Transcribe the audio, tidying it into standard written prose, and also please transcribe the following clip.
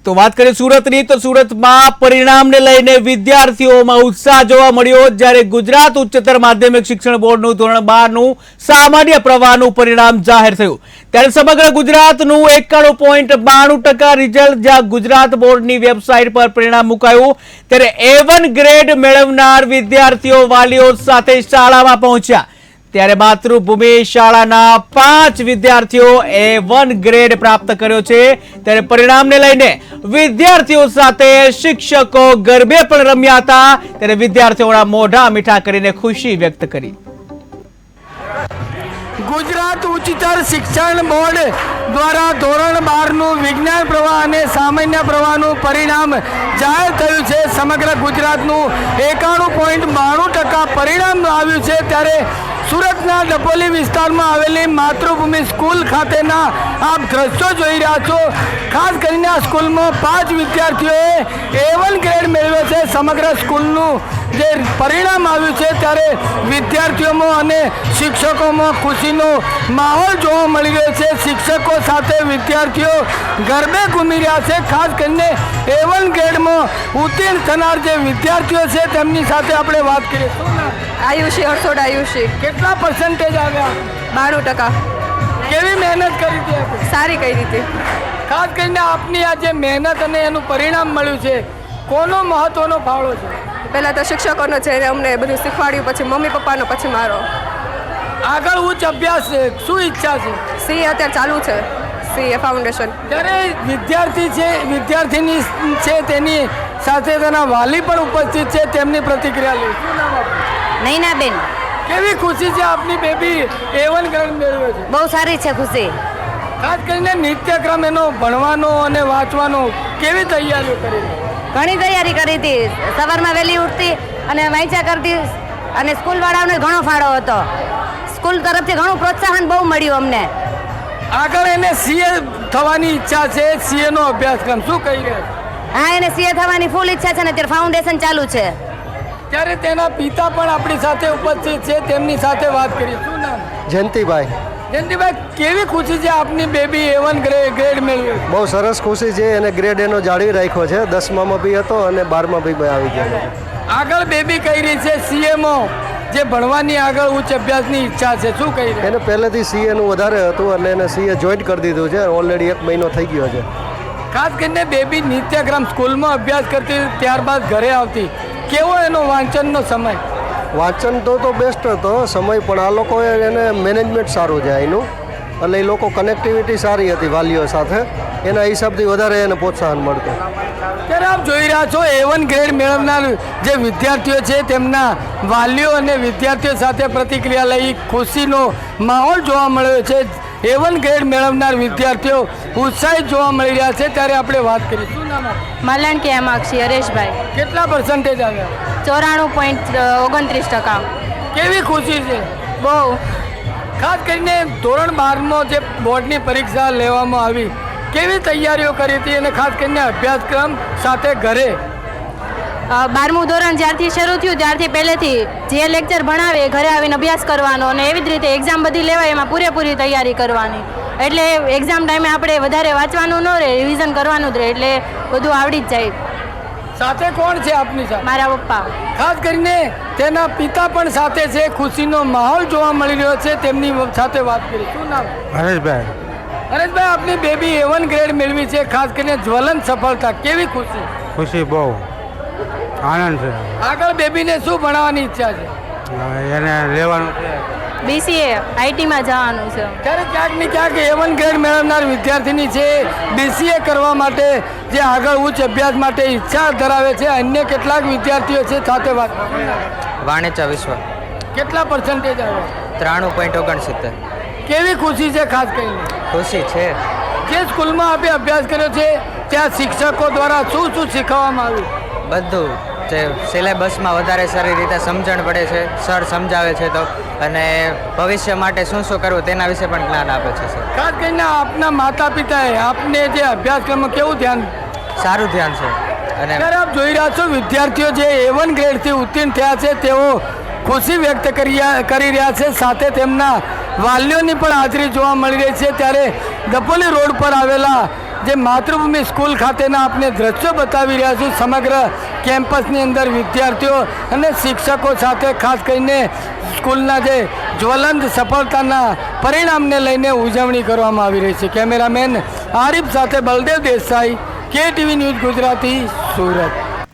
તો વાત કરીએ સુરતની તો સુરતમાં પરિણામને લઈને વિદ્યાર્થીઓમાં ઉત્સાહ જોવા મળ્યો જ્યારે ગુજરાત ઉચ્ચતર માધ્યમિક શિક્ષણ બોર્ડનું ધોરણ 12 નું સામાન્ય પ્રવાહનું પરિણામ જાહેર થયું ત્યારે સમગ્ર ગુજરાતનું 91.92% રિઝલ્ટ જ્યાં ગુજરાત બોર્ડની વેબસાઇટ પર પરિણામ મુકાયું ત્યારે A1 ગ્રેડ મેળવનાર વિદ્યાર્થીઓ વાલીઓ સાથે શાળામાં પહોંચ્યા ત્યારે માતૃભૂમિ શાળાના 5 વિદ્યાર્થીઓ A1 ગ્રેડ પ્રાપ્ત કર્યો છે ત્યારે પરિણામને લઈને વિદ્યાર્થીઓ સાથે શિક્ષકો ગરબે પણ રમ્યા હતા ત્યારે વિદ્યાર્થીઓના મોઢા મીઠા કરીને ખુશી વ્યક્ત કરી ગુજરાત ઉચ્ચતર શિક્ષણ બોર્ડ દ્વારા ધોરણ 12 નું વિજ્ઞાન પ્રવાહ અને સામાન્ય પ્રવાહનું પરિણામ જાહેર થયું છે સમગ્ર ગુજરાતનું 91.92% પરિણામ આવ્યું છે ત્યારે સુરતના ડભોલી વિસ્તારમાં આવેલી માતૃભૂમિ સ્કૂલ ખાતેના આપ દ્રશ્યો જોઈ રહ્યા છો ખાસ કરીને આ સ્કૂલમાં 5 વિદ્યાર્થીઓએ A1 ગ્રેડ મેળવ્યો છે સમગ્ર સ્કૂલનું જે પરિણામ આવ્યું છે ત્યારે વિદ્યાર્થીઓમાં અને શિક્ષકોમાં ખુશીનો માહોલ જોવા મળી રહ્યો છે શિક્ષકો સાથે વિદ્યાર્થીઓ ગરબે ઘૂમી રહ્યા છે ખાસ કરીને A1 ગ્રેડમાં ઉત્તીર્ણ થનાર જે વિદ્યાર્થીઓ છે તેમની સાથે આપણે વાત કરીએ આયુષી હર્ષોડ આયુષી કેટલા પર્સન્ટેજ આવ્યા 92%. કેવી મહેનત કરી હતી આપણે સારી કઈ રીતે ખાસ કરીને આપની આ જે મહેનત અને એનું પરિણામ મળ્યું છે કોનો મહત્વનો ફાળો છે પહેલાં તો શિક્ષકોનો છે એને અમને બધું શીખવાડ્યું પછી મમ્મી પપ્પાનો પછી મારો આગળ ઉચ્ચ અભ્યાસ છે શું ઈચ્છા છે સી અત્યારે ચાલુ છે CA ફાઉન્ડેશન જ્યારે વિદ્યાર્થી છે વિદ્યાર્થીની છે તેની સાથે તેના વાલી પણ ઉપસ્થિત છે તેમની પ્રતિક્રિયા લઈ શું નામ આપનું નૈનાબેન કેવી ખુશી છે આપની બેબી A1 ગ્રેડ મેળવ્યો છે બહુ સારી છે ખુશી ખાસ કરીને નિત્યક્રમ એનો ભણવાનો અને વાંચવાનો કેવી તૈયારીઓ કરી ઘણી તૈયારી કરી હતી સવારમાં વહેલી ઉઠતી અને વાંચ્યા કરતી અને સ્કૂલવાળાઓને ઘણો ફાળો હતો સ્કૂલ તરફથી ઘણું પ્રોત્સાહન બહુ મળ્યું અમને આગળ એને CA થવાની ઈચ્છા છે CA નો અભ્યાસક્રમ શું કહી રહ્યા હા એને CA થવાની ફૂલ ઈચ્છા છે ને અત્યારે ફાઉન્ડેશન ચાલુ છે ત્યારે તેના પિતા પણ આપણી સાથે ઉપસ્થિત છે તેમની સાથે વાત કરીએ શું નામ જયંતિભાઈ જયંતિભાઈ કેવી ખુશી છે આપની બેબી A1 ગ્રેડ મેળવ્યો બહુ સરસ ખુશી છે એને ગ્રેડ એનો જાળવી રાખ્યો છે 10માં બી હતો અને 12માં બી આવી ગયો આગળ બેબી કહી રહી છે CA માં જે ભણવાની આગળ ઉચ્ચ અભ્યાસની ઈચ્છા છે શું કહી રહી એને પહેલેથી CA નું વધારે હતું એટલે એને CA જોઈન્ટ કરી દીધું છે ઓલરેડી 1 મહિનો થઈ ગયો છે ખાસ કરીને બેબી નિત્યક્રમ સ્કૂલમાં અભ્યાસ કરતી ત્યારબાદ ઘરે આવતી કેવો એનો વાંચનનો સમય વાંચન તો બેસ્ટ હતો સમય પણ આ લોકોએ એને મેનેજમેન્ટ સારું છે એનું એટલે એ લોકો કનેક્ટિવિટી સારી હતી વાલીઓ સાથે એના હિસાબથી વધારે એને પ્રોત્સાહન મળતું ત્યારે આપ જોઈ રહ્યા છો A1 ગ્રેડ મેળવનાર જે વિદ્યાર્થીઓ છે તેમના વાલીઓ અને વિદ્યાર્થીઓ સાથે પ્રતિક્રિયા લઈ ખુશીનો માહોલ જોવા મળ્યો છે A1 ગ્રેડ મેળવનાર વિદ્યાર્થીઓ ઉત્સાહિત જોવા મળી રહ્યા છે ત્યારે આપણે વાત કરીએ શું નામ માલણકી આમાક્ષી હરેશભાઈ કેટલા પર્સન્ટેજ આવ્યા 94.29%. કેવી ખુશી છે બહુ ખાસ કરીને ધોરણ 12માં જે બોર્ડની પરીક્ષા લેવામાં આવી કેવી તૈયારીઓ કરી હતી અને ખાસ કરીને અભ્યાસક્રમ સાથે ઘરે 12મું ધોરણ જ્યારથી શરૂ થયું ત્યારથી પહેલેથી જે લેક્ચર ભણાવે એ ઘરે આવીને અભ્યાસ કરવાનો અને એવી જ રીતે એક્ઝામ બધી લેવાય એમાં પૂરેપૂરી તૈયારી કરવાની એટલે એક્ઝામ ટાઈમે આપણે વધારે વાંચવાનું ન રહે રિવિઝન કરવાનું જ રહે એટલે બધું આવડી જ જાય સાથે કોણ છે આપની સાથે મારા પપ્પા ખાસ કરીને તેના પિતા પણ સાથે છે ખુશીનો માહોલ જોવા મળી રહ્યો છે તેમની સાથે વાત કરી શું નામ હરેશભાઈ હરેશભાઈ આપની બેબી A1 ગ્રેડ મેળવી છે ખાસ કરીને જ્વલંત સફળતા કેવી ખુશી ખુશી બહુ આનંદ છે આગળ બેબીને શું ભણાવવાની ઈચ્છા છે એને લેવાનું BCA ITમાં જવાનું છે ત્યારે ક્યાંક ને ક્યાંક A1 ગ્રેડ મેળવનાર વિદ્યાર્થીની છે BCA કરવા માટે જે આગળ ઉચ્ચ અભ્યાસ માટે ઈચ્છા ધરાવે છે અન્ય કેટલાક વિદ્યાર્થીઓ છે સાથે વાત વાણિજ્ય વિશ્વ કેટલા પર્સન્ટેજ આવ્યા 93.69. કેવી ખુશી છે ખાસ કરીને ખુશી છે જે સ્કૂલમાં આપે અભ્યાસ કર્યો છે ત્યાં શિક્ષકો દ્વારા શું શું શીખવવામાં આવ્યું બધું જે સિલેબસમાં વધારે સારી રીતે સમજણ પડે છે સર સમજાવે છે તો અને ભવિષ્ય માટે શું શું કરવું તેના વિશે પણ જ્ઞાન આપે છે સર ખાસ કરીને આપના માતા પિતાએ આપને જે અભ્યાસક્રમમાં કેવું ધ્યાન સારું ધ્યાન છે અને ત્યારે આપ જોઈ રહ્યા છો વિદ્યાર્થીઓ જે A1 ગ્રેડથી ઉત્તીર્ણ થયા છે તેઓ ખુશી વ્યક્ત કરી રહ્યા છે સાથે તેમના વાલીઓની પણ હાજરી જોવા મળી રહી છે ત્યારે ડભોલી રોડ પર આવેલા જે માતૃભૂમિ સ્કૂલ ખાતેના આપણે દ્રશ્યો બતાવી રહ્યા છું સમગ્ર કેમ્પસની અંદર વિદ્યાર્થીઓ અને શિક્ષકો સાથે ખાસ કરીને સ્કૂલના જે જ્વલંત સફળતાના પરિણામને લઈને ઉજવણી કરવામાં આવી રહી છે. કેમેરામેન આરિફ સાથે બલદેવ દેસાઈ, KTV ન્યૂઝ ગુજરાતી, સુરત.